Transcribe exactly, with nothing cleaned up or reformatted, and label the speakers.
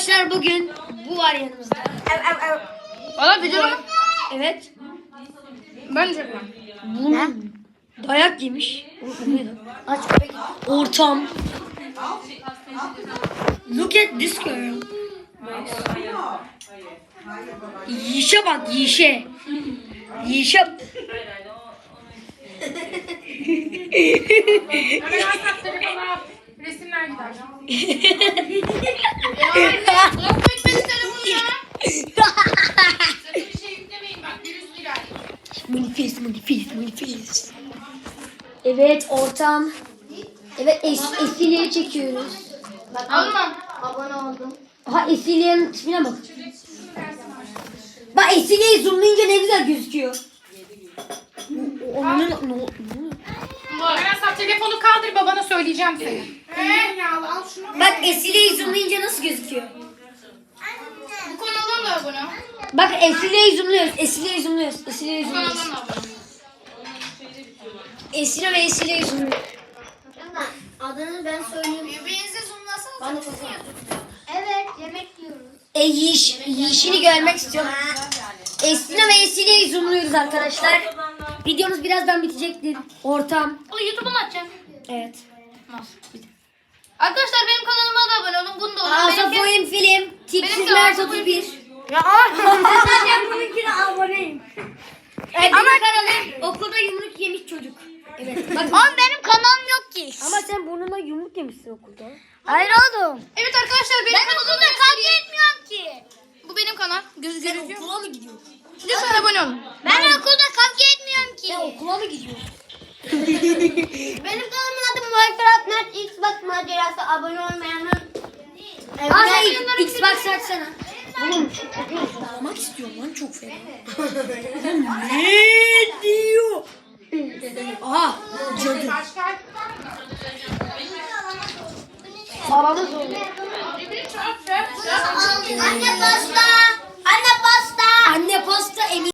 Speaker 1: Arkadaşlar bugün bu var yanımızda.
Speaker 2: Valla video mu?
Speaker 1: Evet.
Speaker 2: Ben çekmem.
Speaker 1: Ne? Dayak yemiş. Aç köpek. Ortam. Look at this girl. Yişe bak yişe. Yişe.
Speaker 2: Hemen WhatsApp telefona resimler gider. Yok bekleyin telefonu ya. Sakın bir şey yüklemeyin bak virüs girer.
Speaker 1: Manifest, manifest, manifest. Evet ortam. Evet es Esile'yi çekiyoruz.
Speaker 2: Almam.
Speaker 3: Abone oldum.
Speaker 1: Aha Esile'nin tipine bak. Bak Esile'yi zoomlayınca ne güzel gözüküyor. Onun ne oluyor?
Speaker 2: Hemen WhatsApp telefonu kaldır babana söyleyeceğim seni. Eee ya al şunu.
Speaker 1: Bak Esile'yi zoomlayınca nasıl gözüküyor?
Speaker 2: Bu kanaldan da abone ol.
Speaker 1: Bak Esile'yi zoomluyoruz. Esile'yi zoomluyoruz. Esile'yi
Speaker 2: Bu
Speaker 1: zoomluyoruz.
Speaker 2: kanaldan da abone ol.
Speaker 1: Esile ve Esile'yi zoomluyoruz.
Speaker 3: Adını ben söyleyeyim.
Speaker 2: Birbirinize zoomlasanız.
Speaker 3: Bana çok Evet, yemek yiyoruz.
Speaker 1: E yiyiş, yiyişini görmek istiyorum. Esile ve Esile'yi zoomluyoruz arkadaşlar. Videomuz birazdan bitecektir. Ortam.
Speaker 2: O YouTube'a mı atacaksın?
Speaker 1: Evet.
Speaker 2: Arkadaşlar benim kanalıma da abone olun. Bunu da olun.
Speaker 1: Asaf
Speaker 2: Benimki-
Speaker 1: Oyun Film.
Speaker 2: Benim
Speaker 1: Tipsiz
Speaker 2: de
Speaker 1: Mert
Speaker 2: Asaf
Speaker 1: otuz
Speaker 2: Oyun
Speaker 1: bir.
Speaker 2: Ya
Speaker 1: Ben bununkine aboneyim. Evet, ama kanalım okulda yumruk yemiş çocuk. Evet. Bak,
Speaker 3: Ama benim kanalım yok ki.
Speaker 1: ama sen burnuna yumruk yemişsin okulda.
Speaker 3: Hayır oğlum.
Speaker 2: Evet arkadaşlar benim
Speaker 3: Ben
Speaker 2: kanalımı
Speaker 3: okulda kavga etmiyorum ki.
Speaker 2: Bu benim kanal. Göz
Speaker 1: Sen
Speaker 2: gözüküyor.
Speaker 1: okula mı gidiyorsun?
Speaker 2: Lütfen abone olun.
Speaker 3: Ben okulda kavga etmiyorum ki.
Speaker 1: Sen okula mı gidiyorsun?
Speaker 3: Benim kanalımın adı Minecraft Mert Xbox macerası. Abone olmayanlar. Evet.
Speaker 1: Aa sen Xbox açsana. Oğlum almak istiyorum lan çok fena. Ne diyor? Aha cadı. Babamız oldu.
Speaker 3: Anne pasta.